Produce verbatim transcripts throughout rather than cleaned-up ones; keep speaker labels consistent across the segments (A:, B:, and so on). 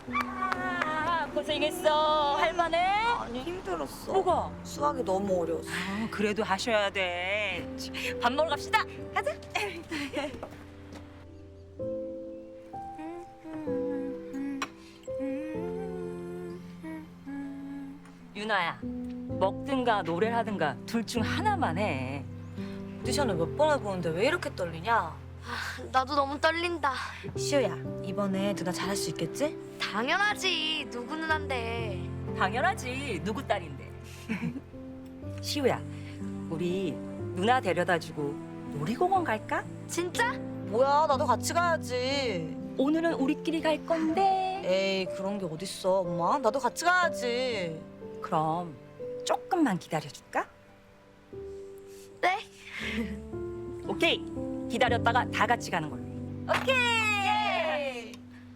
A: 아, 고생했어. 할만해?
B: 아니 힘들었어.
A: 뭐가?
B: 수학이 너무 어려웠어.
A: 아, 그래도 하셔야 돼. 밥 먹으러 갑시다. 가자. 윤아야, 먹든가 노래를 하든가 둘 중 하나만 해.
B: 오디션을 몇 번 해보는데 왜 이렇게 떨리냐?
C: 나도 너무 떨린다.
B: 시우야, 이번에 누나 잘할 수 있겠지?
C: 당연하지. 누구는 한데.
A: 당연하지. 누구 딸인데. 시우야, 우리 누나 데려다주고 놀이공원 갈까?
C: 진짜?
B: 뭐야, 나도 같이 가야지.
A: 오늘은 우리끼리 갈 건데.
B: 에이, 그런 게 어딨어, 엄마. 나도 같이 가야지.
A: 그럼 조금만 기다려줄까?
C: 네.
A: 오케이. 기다렸다가 다 같이 가는 걸로.
B: 오케이!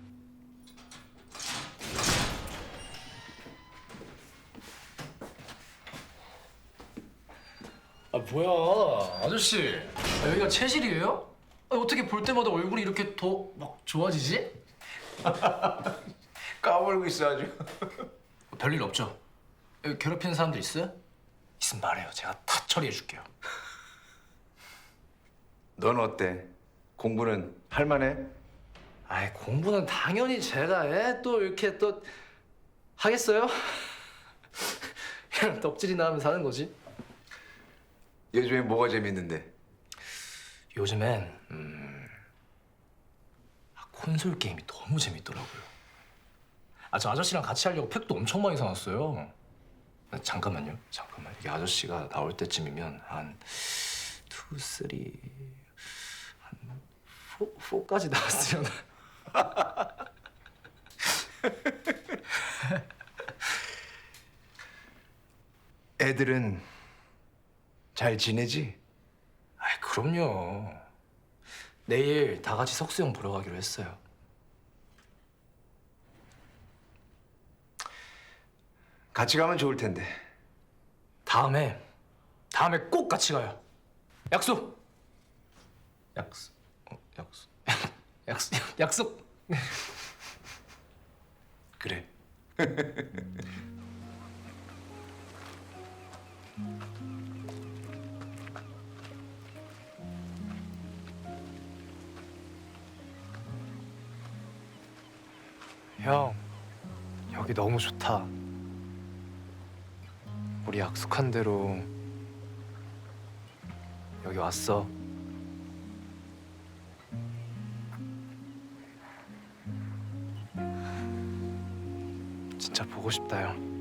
D: 아 뭐야 아저씨 아, 여기가 체실이에요? 아, 어떻게 볼 때마다 얼굴이 이렇게 더 막 좋아지지?
E: 까불고 있어 아주.
D: 별일 없죠? 여기 괴롭히는 사람들 있어요? 있으면 말해요 제가 다 처리해 줄게요.
E: 넌 어때? 공부는 할만해?
D: 아이 공부는 당연히 제가 해? 또 이렇게 또 하겠어요? 그냥 덕질이나 하면 사는 거지.
E: 요즘에 뭐가 재밌는데?
D: 요즘엔 음... 아, 콘솔 게임이 너무 재밌더라고요. 아 저 아저씨랑 같이 하려고 팩도 엄청 많이 사놨어요. 아, 잠깐만요. 잠깐만. 이게 아저씨가 나올 때쯤이면 한 투, 쓰리, 한 포, 포까지 나왔으려나.
E: 애들은 잘 지내지?
D: 아이 그럼요. 내일 다 같이 석수형 보러 가기로 했어요.
E: 같이 가면 좋을 텐데.
D: 다음에 다음에 꼭 같이 가요. 약속. 약속. 어, 약속. 약속. 약속.
E: 그래.
D: 형, 여기 너무 좋다. 우리 약속한 대로 여기 왔어. 진짜 보고 싶다, 형.